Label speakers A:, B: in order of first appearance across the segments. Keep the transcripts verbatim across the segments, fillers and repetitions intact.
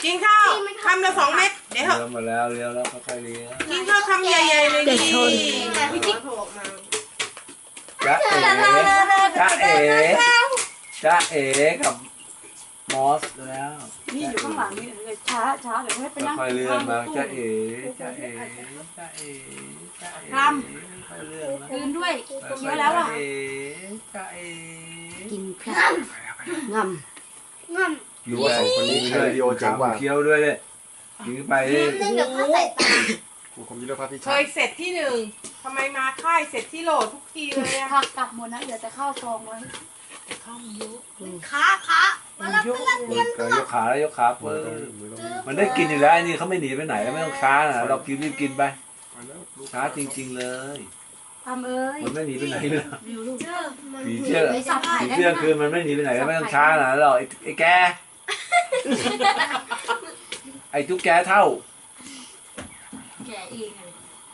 A: กินข้าวคำละสองเม็ดเดี๋ยว
B: เลี้ยวมาแล้วเลี้ยวแล้วค่อยๆเลี้ยว
A: กินข้าวคำใหญ่ๆเลยดิ
C: พี่จิ๊ก
B: จ๊ะเอ๋จ๊ะเอ๋จ๊ะเอ๋กับมอสแล้ว
D: นี่อยู่ข้างหลังนี่เลยช้าช้าเดี๋ยวให้ไปนั่ง
B: ค่อยๆเลื่อนมาจ๊ะเอ๋จ๊ะเอ๋จ๊ะเอ๋จ๊ะเอ๋ค่อยๆเลื่อนมา
D: ตื่นด้วย
B: ค่อย
D: เคี้ยว
B: ๆ
D: แล้วอ่ะ
B: จ๊ะเอ๋จ๊ะเอ๋
C: กินพลังงำงำ
B: อยู่กับสองคนนี้ด้วย
E: วิดีโอเจ๋งกว่า
B: เคี้ยวด้วยเลยกินไปดิ
C: เดี๋ยวพ่อใส่ตา
E: ครูคมยุทธภาพพิ
A: เค
E: ชาย
A: เสร็จที่หนึ่งทำไมมาค่ายเสร็จที่โหลทุกทีเลยอะ
D: ผักกลับหมดนะเดี๋ยวจะเข้าซองไว้
C: ขาขามาแล้ว
A: ยก
B: ก็ยกขาแล้วยกขาเปิดมันได้กินอยู่แล้วไอ้นี่เขาไม่หนีไปไหนไม่ต้องช้านะเรากินรีบกินไปช้าจริงๆเลย
D: ทำเอ้ย
B: มันไม่หนีไปไหนเลย
D: วิวลูก
B: ผีเชื่อ
D: ไม่สับไผ่
B: ผี
D: ได้
B: เชื่อ
D: ไหม
B: คือมันไม่หนีไปไหนแล้วไม่ต้องช้านะหรอกไอ้ไอ้แกไอ้ทุกแกเท่า
D: แกเองเลย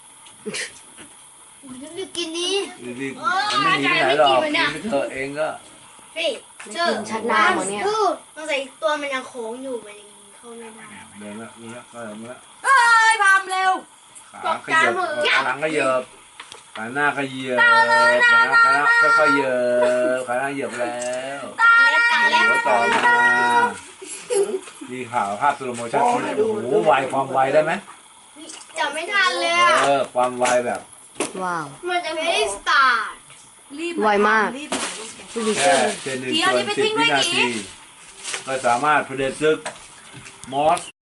C: รีบกินนี้
B: รีบๆมันไม่หนีไปไหนหรอกกินไปเถอะเองก็
C: พี่เจอชัดหน้าหมดเนี่ยต้องใส่ตัวมันยังโค้งอยู่มันยังเข้าไม่ได้
B: เดินละเดินละก็เดินละ
D: เอ้ยพามเร็ว
B: ขาขยับขาหลังก็เหยิบขาหน้าก็เหยียบขาหน้าขาหน้าค่อยๆเหยิบขาหน้าเหยียบแล้ว
C: ตาเล็กตาเล็ก
B: หัวต่อมามีข่าวภาพสโลโมชั่นโอ้โหไวความไวได้ไหม
C: จะไม่ทันเลย
B: เออความไวแบบ
F: ว้าว
C: มันจะไม่ได้สตาร์ท
D: รีบ
F: ไวมาก
D: รีบหน่อยลูก
F: ผู้หญิง
B: แค่เซนหนึ่งส่วนสิบวินาทีก็สามารถเผด็จศึกมอส